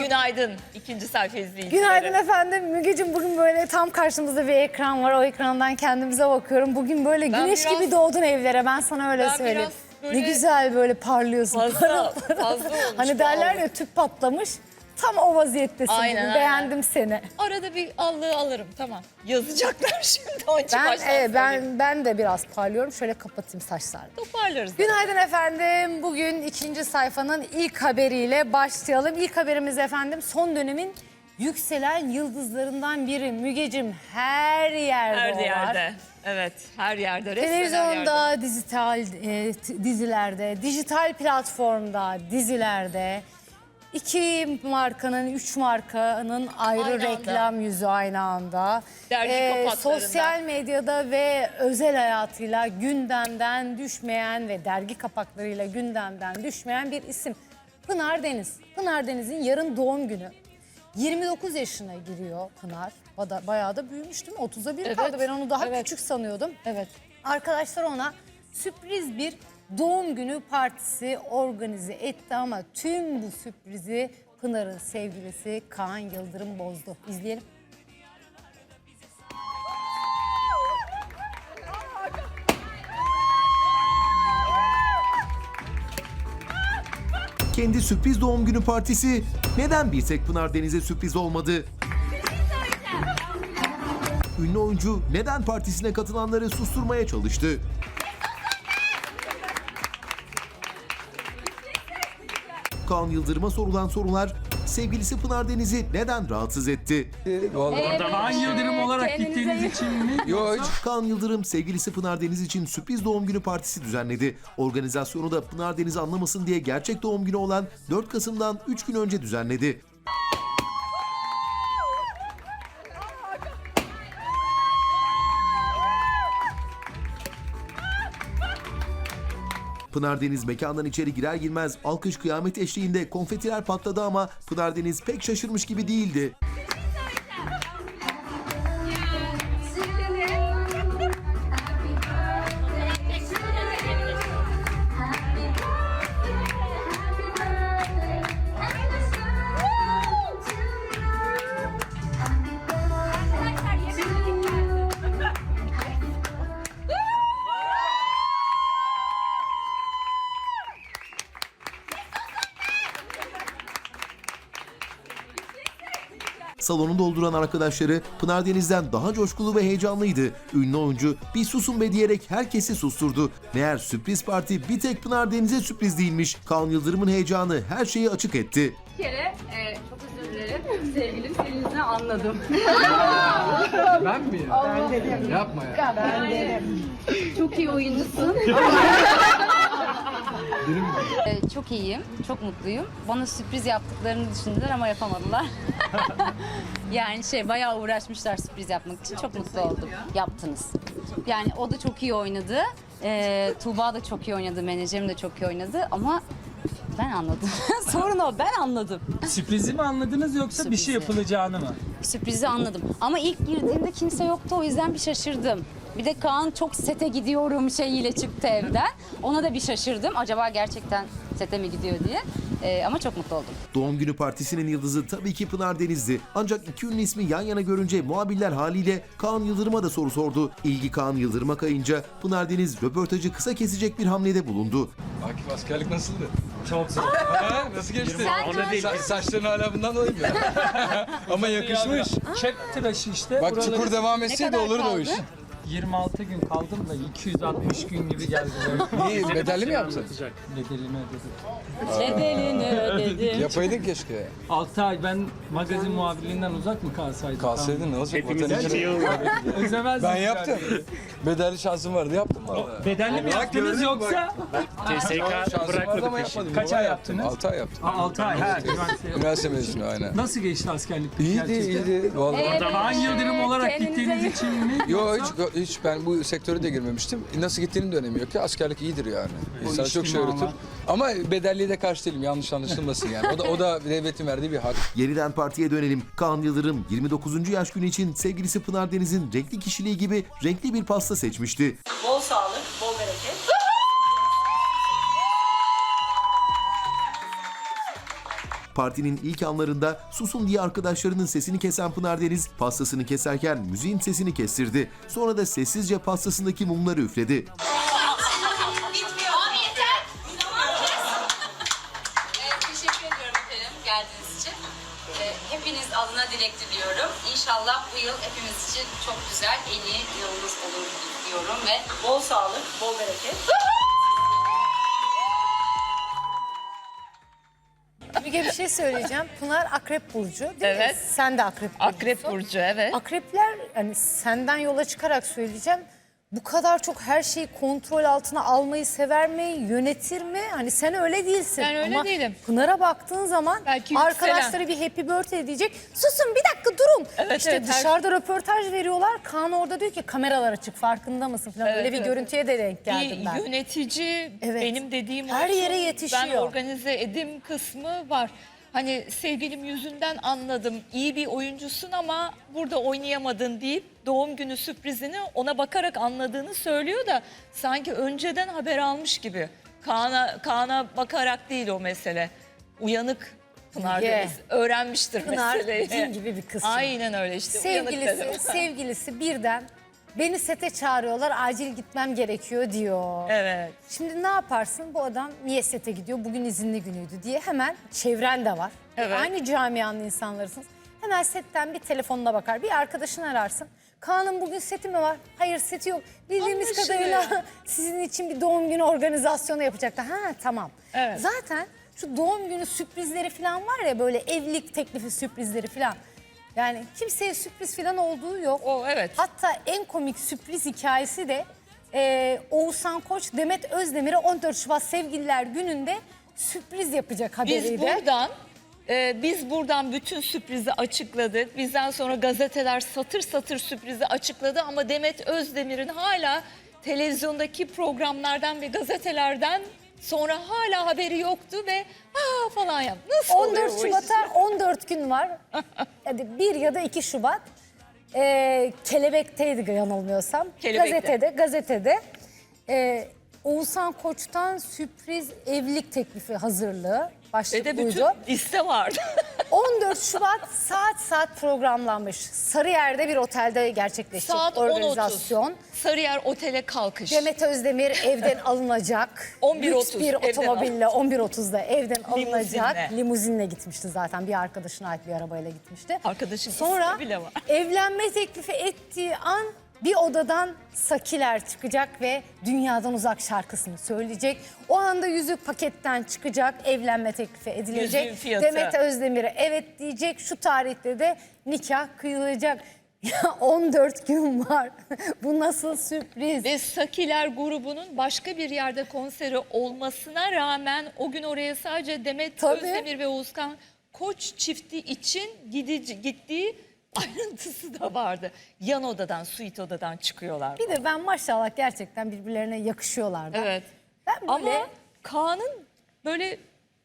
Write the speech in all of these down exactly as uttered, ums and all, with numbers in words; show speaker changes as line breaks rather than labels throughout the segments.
Günaydın ikinci sayfa izleyicileri.
Günaydın efendim. Mügeciğim, bugün böyle tam karşımızda bir ekran var. O ekrandan kendimize bakıyorum. Bugün böyle
Ben
güneş
biraz-
gibi doğdun evlere. Ben sana öyle
Ben
söyleyeyim.
biraz böyle
Ne güzel böyle parlıyorsun.
Fazla,
Parıl parıl.
fazla olmuş
Hani
bu
derler
algı.
ya, tüp patlamış. Tam o vaziyettesin
Aynen,
bugün.
aynen.
Beğendim seni.
Arada bir allığı alırım, tamam. Yazacaklar şimdi onun için
Ben
baştan
e,
söyleyeyim.
ben ben de biraz parlıyorum. Şöyle kapatayım saçlarımı.
Toparlarız.
Günaydın efendim. Bugün ikinci sayfanın ilk haberiyle başlayalım. İlk haberimiz efendim son dönemin yükselen yıldızlarından biri. Mügecim, her yerde
Her
o var.
yerde. Evet, her yerde. Resmen her yerde.
Televizyonda, dijital e, t- dizilerde, dijital platformda, dizilerde. İki markanın, üç markanın ayrı
Aynı anda.
reklam yüzü aynı anda.
Dergi kapaklarında.
Sosyal medyada ve özel hayatıyla gündemden düşmeyen ve dergi kapaklarıyla gündemden düşmeyen bir isim. Pınar Deniz. Pınar Deniz'in yarın doğum günü. yirmi dokuz yaşına giriyor Pınar. Bada- Bayağı da büyümüş değil mi? otuza bir
Evet.
kaldı. Ben onu daha
Evet.
küçük sanıyordum.
Evet.
Arkadaşlar ona sürpriz bir doğum günü partisi organize etti ama tüm bu sürprizi Pınar'ın sevgilisi Kaan Yıldırım bozdu. İzleyelim.
Kendi sürpriz doğum günü partisi neden bir tek Pınar Deniz'e sürpriz olmadı? Ünlü oyuncu neden partisine katılanları susturmaya çalıştı? Kaan Yıldırım'a sorulan sorular sevgilisi Pınar Deniz'i neden rahatsız etti?
Vallahi.
Kaan Yıldırım olarak gittiğiniz için mi?
Yok hiç.
Kaan Yıldırım sevgilisi Pınar Deniz için sürpriz doğum günü partisi düzenledi. Organizasyonu da Pınar Deniz anlamasın diye gerçek doğum günü olan dört Kasım'dan üç gün önce düzenledi. Pınar Deniz mekandan içeri girer girmez alkış kıyamet eşliğinde konfetiler patladı ama Pınar Deniz pek şaşırmış gibi değildi. Salonu dolduran arkadaşları Pınar Deniz'den daha coşkulu ve heyecanlıydı. Ünlü oyuncu bir susun be diyerek herkesi susturdu. Meğer sürpriz parti bir tek Pınar Deniz'e sürpriz değilmiş. Kaan Yıldırım'ın heyecanı her şeyi açık etti.
Bir kere e, çok özür dilerim. Sevgilim Selin'izden anladım.
Ben mi ya? Ben dedim. Yapma ya.
Çok iyi oyuncusun.
Ee, Çok iyiyim, çok mutluyum. Bana sürpriz yaptıklarını düşündüler ama yapamadılar. Yani şey bayağı uğraşmışlar sürpriz yapmak için. Çok mutlu oldum. Yaptınız. Yani o da çok iyi oynadı. Ee, Tuğba da çok iyi oynadı. Menajerim de çok iyi oynadı ama ben anladım. Sorun o, ben anladım.
Sürprizi mi anladınız yoksa bir şey
Sürprizi.
yapılacağını mı?
Sürprizi anladım. Ama ilk girdiğimde kimse yoktu, o yüzden bir şaşırdım. Bir de Kaan çok sete gidiyorum şeyiyle çıktı evden. Ona da bir şaşırdım. Acaba gerçekten sete mi gidiyor diye. Ee, ama çok mutlu oldum.
Doğum günü partisinin yıldızı tabii ki Pınar Deniz'di. Ancak iki ünlü ismi yan yana görünce muhabirler haliyle Kaan Yıldırım'a da soru sordu. İlgi Kaan Yıldırım'a kayınca Pınar Deniz röportajı kısa kesecek bir hamlede bulundu.
Akif askerlik nasıldı?
Çok zor.
Ha, nasıl geçti? Sa- saçların hala bundan dolayı mı? Ama yakışmış.
Çek tıraşı işte.
Bak
Buraları-
çukur devam etseydi
kadar
olurdu o
kaldı?
iş.
yirmi altı gün kaldım da iki yüz altmış gün gibi geldi.
İyi bedelli mi yaptın?
Bedelini ödedim.
Bedelini ödedim.
Yapaydın keşke.
altı ay ben magazin muhabirliğinden uzak mı kalsaydım?
Kalsaydın ne olacak? Vatan için.
Özlemezdim.
Ben yaptım. Bedelli şansım vardı yaptım valla.
Bedelli mi yaptınız yoksa?
Şansım vardı ama yapmadım.
Kaç ay yaptınız?
altı ay yaptım.
altı ay. Ha, üniversite.
Üniversite mezunu aynen.
Nasıl geçti askerlik?
İyiydi
gerçekten?
iyiydi. Vallahi.
Kaan Yıldırım olarak
Kendinize
gittiğiniz için mi?
Yo hiç, hiç ben bu sektöre de girmemiştim. Nasıl gittiğinin de önemi yok ki. Askerlik iyidir yani. İnsana
iş
çok
değil
şey
mi
öğretir. Ama bedelliye de karşı değilim. Yanlış anlaşılmasın yani. O da o da devletin verdiği bir hak.
Yeniden partiye dönelim. Kaan Yıldırım yirmi dokuzuncu yaş günü için sevgilisi Pınar Deniz'in renkli kişiliği gibi renkli bir pasta seçmişti.
Bol sağlık, bol bereket.
Partinin ilk anlarında susun diye arkadaşlarının sesini kesen Pınar Deniz pastasını keserken müziğin sesini kestirdi. Sonra da sessizce pastasındaki mumları üfledi.
Teşekkür ediyorum efendim geldiğiniz için. Ee, hepiniz adına dilek diliyorum. İnşallah bu yıl hepimiz için çok güzel, en iyi yılımız olur diyorum ve bol sağlık, bol bereket.
Müge bir şey söyleyeceğim. Pınar Akrep Burcu değil mi?
Evet.
Sen de Akrep Burcu'sun.
Akrep Burcu, evet.
Akrepler, hani senden yola çıkarak söyleyeceğim. Bu kadar çok her şeyi kontrol altına almayı sever mi, yönetir mi? Hani sen öyle değilsin.
Ben öyle
Ama
değilim.
Pınar'a baktığın zaman
Belki
arkadaşları
yükselen.
bir happy birthday diyecek. Susun bir dakika durun.
Evet,
işte
evet, her-
dışarıda röportaj veriyorlar. Kaan orada diyor ki kameralar açık, farkında mısın falan.
Evet,
öyle bir
evet.
görüntüye de denk geldim
Bir
ben.
yönetici,
Evet.
benim dediğim
Her
olsun,
yere yetişiyor.
Ben organize edim kısmı var. Hani sevgilim yüzünden anladım. İyi bir oyuncusun ama burada oynayamadın deyip doğum günü sürprizini ona bakarak anladığını söylüyor da sanki önceden haber almış gibi. Kaan'a Kaan'a bakarak değil o mesele. Uyanık Pınar
Ye.
Deniz öğrenmiştir
Pınar
meseleyi.
cin gibi bir kız.
Aynen öyle işte. uyanık
Sevgilisi,
dedim.
sevgilisi birden beni sete çağırıyorlar, acil gitmem gerekiyor diyor.
Evet.
Şimdi ne yaparsın? Bu adam niye sete gidiyor? Bugün izinli günüydü diye hemen çevren de var.
Evet.
Aynı camianın insanlarısınız. Hemen setten bir telefonuna bakar. Bir arkadaşını ararsın. Kaan'ın bugün seti mi var? Hayır, seti yok. Bildiğimiz
Anlaşılıyor.
kadarıyla sizin için bir doğum günü organizasyonu yapacaklar. Ha tamam.
Evet.
Zaten şu doğum günü sürprizleri falan var ya, böyle evlilik teklifi sürprizleri falan. Yani kimseye sürpriz falan olduğu yok.
O evet.
Hatta en komik sürpriz hikayesi de e, Oğuzhan Koç Demet Özdemir'e on dört Şubat Sevgililer Günü'nde sürpriz yapacak
Biz
haberiyle.
buradan e, biz buradan bütün sürprizi açıkladık. Bizden sonra gazeteler satır satır sürprizi açıkladı ama Demet Özdemir'in hala televizyondaki programlardan ve gazetelerden sonra hala haberi yoktu ve aa falan yap. Nasıl
on
oluyor
dört
bu iş?
Şubat'a on dört gün var. Hadi bir ya da iki Şubat. E, Kelebek'teydi yanılmıyorsam.
Kelebek'te.
Gazetede, gazetede. E, Oğuzhan Koç'tan sürpriz evlilik teklifi hazırlığı.
Ve
Başlık
de bütün
buydu.
liste vardı.
on dört Şubat saat saat programlanmış. Sarıyer'de bir otelde gerçekleşecek
Saat on otuz.
organizasyon.
Sarıyer Otel'e kalkış.
Demet Özdemir evden alınacak.
on bir
Lüks
otuz
bir
evden
otomobille on bir otuzda evden alınacak.
Limuzinle.
Limuzinle gitmişti zaten. Bir arkadaşına ait bir arabayla gitmişti.
Arkadaşın
Sonra
ismi bile var.
evlenme teklifi ettiği an bir odadan Sakiler çıkacak ve Dünyadan Uzak şarkısını söyleyecek. O anda yüzük paketten çıkacak, evlenme teklifi edilecek.
Yüzüğün fiyatı.
Demet Özdemir'e evet diyecek. Şu tarihte de nikah kıyılacak. Ya on dört gün var. Bu nasıl sürpriz?
Ve Sakiler grubunun başka bir yerde konseri olmasına rağmen o gün oraya sadece Demet
Tabii.
Özdemir ve Oğuzhan Koç çifti için gidici, gittiği ayrıntısı da vardı. Yan odadan, suite odadan çıkıyorlar.
Bir de ben maşallah gerçekten birbirlerine yakışıyorlar da.
Evet.
Ben böyle
Ama Kaan'ın böyle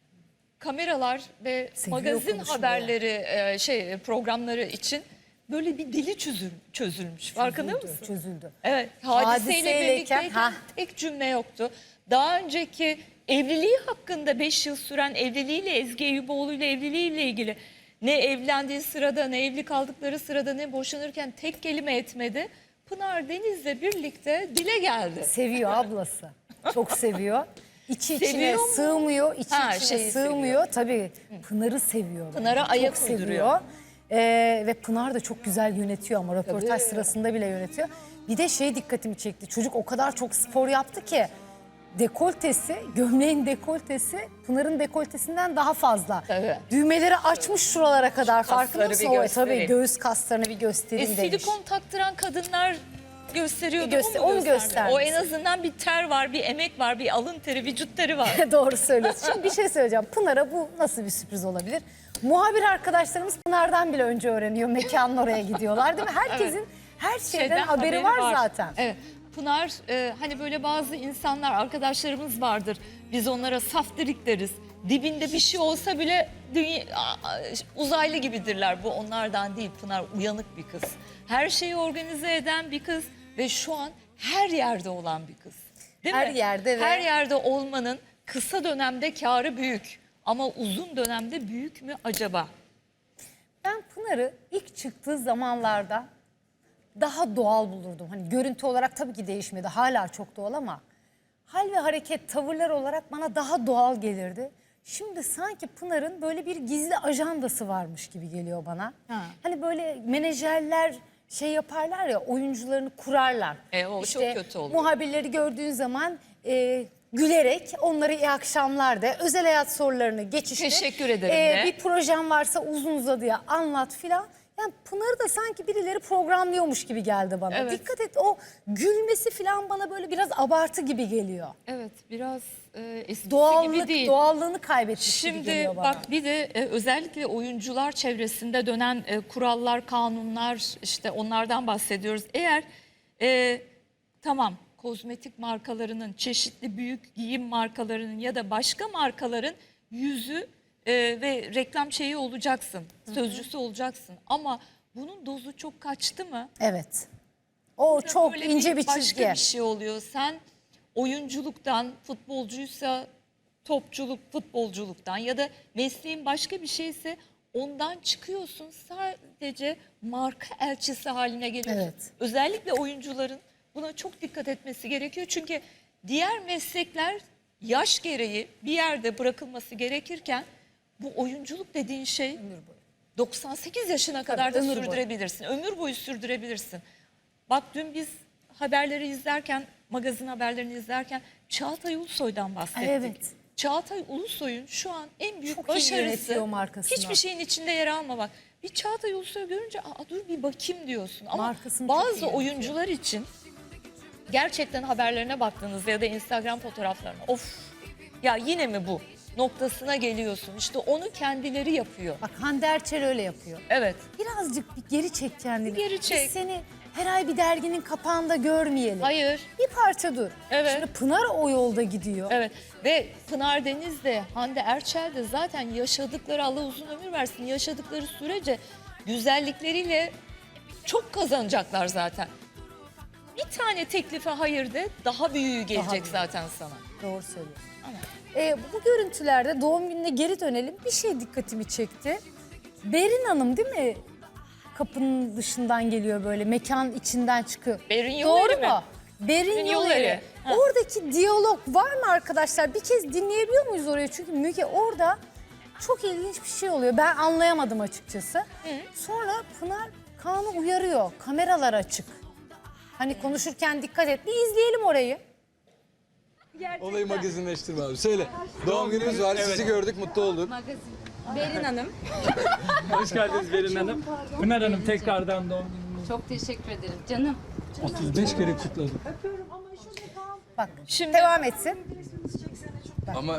kameralar ve
Seviyor
magazin
konuşmayı.
haberleri e, şey programları için böyle bir dili çözül, çözülmüş. Farkında
çözüldü,
mısın?
çözüldü.
Evet, hadiseyle
Hadiseyleyken,
birlikteyken
ha.
tek cümle yoktu. Daha önceki evliliği hakkında beş yıl süren evliliğiyle, Ezgi Eyüboğlu ile evliliğiyle ilgili ne evlendiği sırada, ne evli kaldıkları sırada, ne boşanırken tek kelime etmedi. Pınar Deniz'le birlikte dile geldi.
Seviyor ablası. Çok seviyor. İçi içine
Seviyor mu?
sığmıyor, içi
Ha,
içine
şeyi
sığmıyor. Tabii Pınar'ı seviyor.
Pınar'a
Çok
ayak
seviyor.
uyduruyor.
Ee, ve Pınar da çok güzel yönetiyor ama röportaj
Tabii.
sırasında bile yönetiyor. Bir de şey dikkatimi çekti. Çocuk o kadar çok spor yaptı ki dekoltesi, gömleğin dekoltesi Pınar'ın dekoltesinden daha fazla.
Tabii.
Düğmeleri açmış şuralara kadar.
Kasları
Farkında mısın?
bir
O,
göstereyim.
tabii göğüs kaslarını bir
E,
göstereyim demiş.
silikon taktıran kadınlar gösteriyordu.
Bir göster-
o mu
onu
gösterdi?
göstermiş.
O en azından bir ter var, bir emek var, bir alın teri, vücut teri var.
Doğru söylüyorsun. Şimdi bir şey söyleyeceğim. Pınar'a bu nasıl bir sürpriz olabilir? Muhabir arkadaşlarımız Pınar'dan bile önce öğreniyor. Mekanın oraya gidiyorlar değil mi? Herkesin her şeyden,
Şeyden
haberi, var, zaten.
Evet. Pınar e, hani böyle bazı insanlar, arkadaşlarımız vardır. Biz onlara saftirik deriz. Dibinde bir şey olsa bile dünya, a- uzaylı gibidirler. Bu onlardan değil. Pınar uyanık bir kız. Her şeyi organize eden bir kız ve şu an her yerde olan bir kız. Değil
Her
mi?
yerde ve-
Her yerde olmanın kısa dönemde kârı büyük. Ama uzun dönemde büyük mü acaba?
Ben Pınar'ı ilk çıktığı zamanlarda daha doğal bulurdum. Hani görüntü olarak tabii ki değişmedi. Hala çok doğal ama hal ve hareket, tavırlar olarak bana daha doğal gelirdi. Şimdi sanki Pınar'ın böyle bir gizli ajandası varmış gibi geliyor bana.
Ha.
Hani böyle menajerler şey yaparlar ya, oyuncularını kurarlar.
E, o çok kötü oluyor.
Muhabirleri gördüğün zaman e, gülerek onlara iyi akşamlar de, özel hayat sorularını geçiştir.
Teşekkür ederim de.
Bir projem varsa uzun uzadıya anlat filan. Yani Pınar'ı da sanki birileri programlıyormuş gibi geldi bana.
Evet.
Dikkat et, o gülmesi filan bana böyle biraz abartı gibi geliyor.
Evet, biraz e, eskisi gibi
Doğallık,
değil.
doğallığını kaybetmiş gibi
Şimdi
geliyor bana.
bak bir de e, özellikle oyuncular çevresinde dönen e, kurallar, kanunlar, işte onlardan bahsediyoruz. Eğer e, tamam kozmetik markalarının, çeşitli büyük giyim markalarının ya da başka markaların yüzü e, ve reklam şeyi olacaksın, sözcüsü olacaksın. Ama bunun dozu çok kaçtı mı?
Evet. O çok
Böyle
ince bir
başka
çizgi.
bir şey oluyor. Sen oyunculuktan, futbolcuysa topçuluk, futbolculuktan ya da mesleğin başka bir şeyse ondan çıkıyorsun. Sadece marka elçisi haline geliyorsun.
Evet.
Özellikle oyuncuların buna çok dikkat etmesi gerekiyor. Çünkü diğer meslekler yaş gereği bir yerde bırakılması gerekirken bu oyunculuk dediğin şey doksan sekiz yaşına kadar da
ömür boyu.
sürdürebilirsin. Ömür boyu sürdürebilirsin. Bak dün biz haberleri izlerken, magazin haberlerini izlerken Çağatay Ulusoy'dan bahsettik.
Evet.
Çağatay Ulusoy'un şu an en büyük
Çok iyi
başarısı
yönetiyor markasını.
hiçbir şeyin içinde yer almamak. Bir Çağatay Ulusoy görünce aa dur bir bakayım diyorsun. Ama
Markasını çok iyi
bazı
yönetiyor.
oyuncular için gerçekten haberlerine baktığınızda ya da Instagram fotoğraflarına of ya yine mi bu noktasına geliyorsun. İşte onu kendileri yapıyor.
Bak Hande Erçel öyle yapıyor.
Evet.
Birazcık bir geri çek kendini.
Bir geri çek.
Biz seni her ay bir derginin kapağında görmeyelim.
Hayır.
Bir parça dur.
Evet.
Şimdi Pınar o yolda gidiyor.
Evet ve Pınar Deniz de Hande Erçel de zaten yaşadıkları, Allah uzun ömür versin, yaşadıkları sürece güzellikleriyle çok kazanacaklar zaten. Bir tane teklife hayır de daha büyüğü gelecek
büyüğü.
zaten sana.
Doğru söylüyorsun.
Ama
Ee, bu görüntülerde doğum gününe geri dönelim. Bir şey dikkatimi çekti. Berin Hanım değil mi? Kapının dışından geliyor böyle, mekan içinden çıkıyor.
Berin
Doğru
Yolları
mu?
mı?
Berin
Berin
Yolları.
Yolları. Ha.
Oradaki diyalog var mı arkadaşlar? Bir kez dinleyebiliyor muyuz orayı? Çünkü Müge orada çok ilginç bir şey oluyor. Ben anlayamadım açıkçası. Sonra Pınar Kaan'ı uyarıyor. Kameralar açık. Hani konuşurken dikkat et. Bir izleyelim orayı.
Olayı magazinleştirme abi. Söyle. Doğum günümüz var. Sizi gördük, mutlu olduk.
Magazin. Berin Hanım.
Hoş geldiniz Berin Hanım. Pınar Hanım tekrardan doğum gününüz.
Çok teşekkür ederim canım.
otuz beş kere kutladım.
Bak
Şimdi-
devam etsin.
Ama...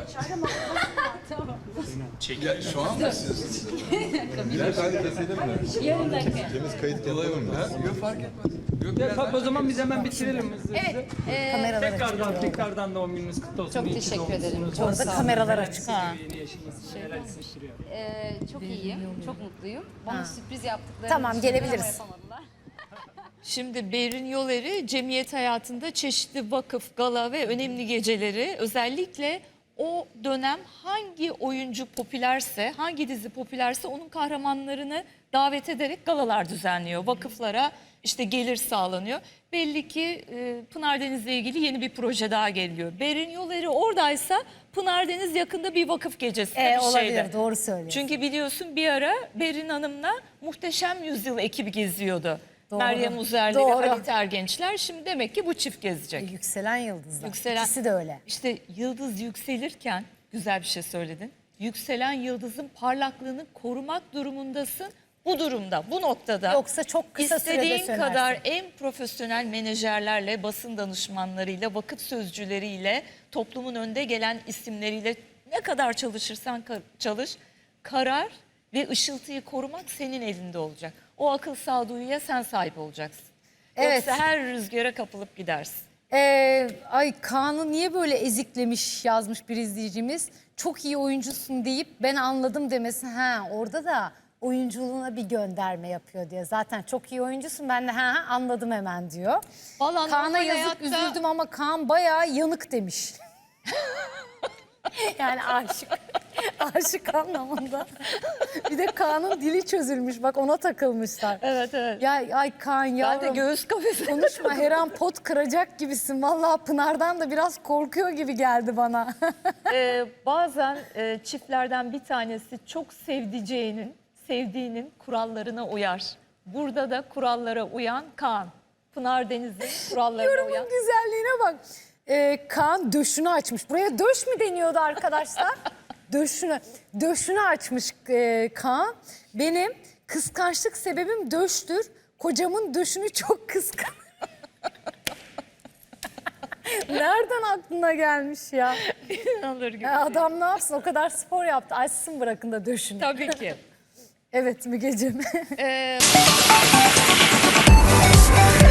Ya, şu an mı siz? Birer tane keselim mi?
Yarım dakika.
Temiz kayıt yapalım mı?
Yok fark etmez. Yok,
Ya,
biraz
tabii o zaman biz hemen bitirelim hızlı hızlı.
Evet. e,
Kameralar
Tekrardan
açık.
tekrardan doğum gününüz kutlu olsun.
Çok
İyi ki
teşekkür
doğmuşsunuz.
ederim. Çok
Orada
sağ olun.
kameralar açık.
ha.
Yeni yaşınız neler hissettiriyor?
e, çok iyiyim. Çok mutluyum. Bana sürpriz yaptıkları
Tamam,
düşündüler ama
gelebiliriz.
yapamadılar.
Şimdi Berin Yolları cemiyet hayatında çeşitli vakıf, gala ve önemli geceleri özellikle o dönem hangi oyuncu popülerse, hangi dizi popülerse onun kahramanlarını davet ederek galalar düzenliyor. Vakıflara işte gelir sağlanıyor. Belli ki e, Pınar Deniz'le ilgili yeni bir proje daha geliyor. Berin Yolları oradaysa Pınar Deniz yakında bir vakıf gecesi
Ee,
bir
olabilir,
şeyde.
doğru söylüyorsun.
Çünkü biliyorsun bir ara Berin Hanım'la Muhteşem Yüzyıl ekibi geziyordu.
Doğru.
Meryem Uzerli
Doğru.
ve Halit Ergençler. Şimdi demek ki bu çift gezecek.
Yükselen yıldızlar.
Yükselen-
İkisi de öyle.
İşte yıldız yükselirken güzel bir şey söyledin. Yükselen yıldızın parlaklığını korumak durumundasın. Bu durumda, bu noktada
Yoksa çok kısa sürede
istediğin
sönersin.
kadar en profesyonel menajerlerle, basın danışmanlarıyla, vakıf sözcüleriyle, toplumun önde gelen isimleriyle ne kadar çalışırsan ka- çalış, karar ve ışıltıyı korumak senin elinde olacak. O akıl sağduyuya sen sahip olacaksın.
Evet.
Yoksa her rüzgara kapılıp gidersin.
Ee, ay Kaan'ı niye böyle eziklemiş yazmış bir izleyicimiz. Çok iyi oyuncusun deyip ben anladım demesi. Ha orada da oyunculuğuna bir gönderme yapıyor diye. Zaten çok iyi oyuncusun, ben de ha, ha anladım hemen diyor.
Vallahi
Kaan'a
normal
yazık
hayatta-
üzüldüm ama Kaan bayağı yanık demiş. Yani aşık. Aşık anlamında. Bir de Kaan'ın dili çözülmüş. Bak ona takılmışlar.
Evet evet.
Ya ay Kaan
Ben de
yavrum.
göğüs kafesi.
Konuşma her an pot kıracak gibisin. Vallahi Pınar'dan da biraz korkuyor gibi geldi bana.
Ee, bazen e, çiftlerden bir tanesi çok sevdiceğinin, sevdiğinin kurallarına uyar. Burada da kurallara uyan Kaan. Pınar Deniz'in kurallarına uyan.
Yorumun güzelliğine bak. Ee, Kaan döşünü açmış. Buraya döş mü deniyordu arkadaşlar? Döşünü. Döşünü açmış e, Kaan. Benim kıskançlık sebebim döştür. Kocamın döşünü çok kıskan. Nereden aklına gelmiş ya?
İnanılır gibi.
Ya adam ne yapsın? O kadar spor yaptı. Açsın bırakın da döşünü.
Tabii ki.
Evet Mügeciğim.
Ee,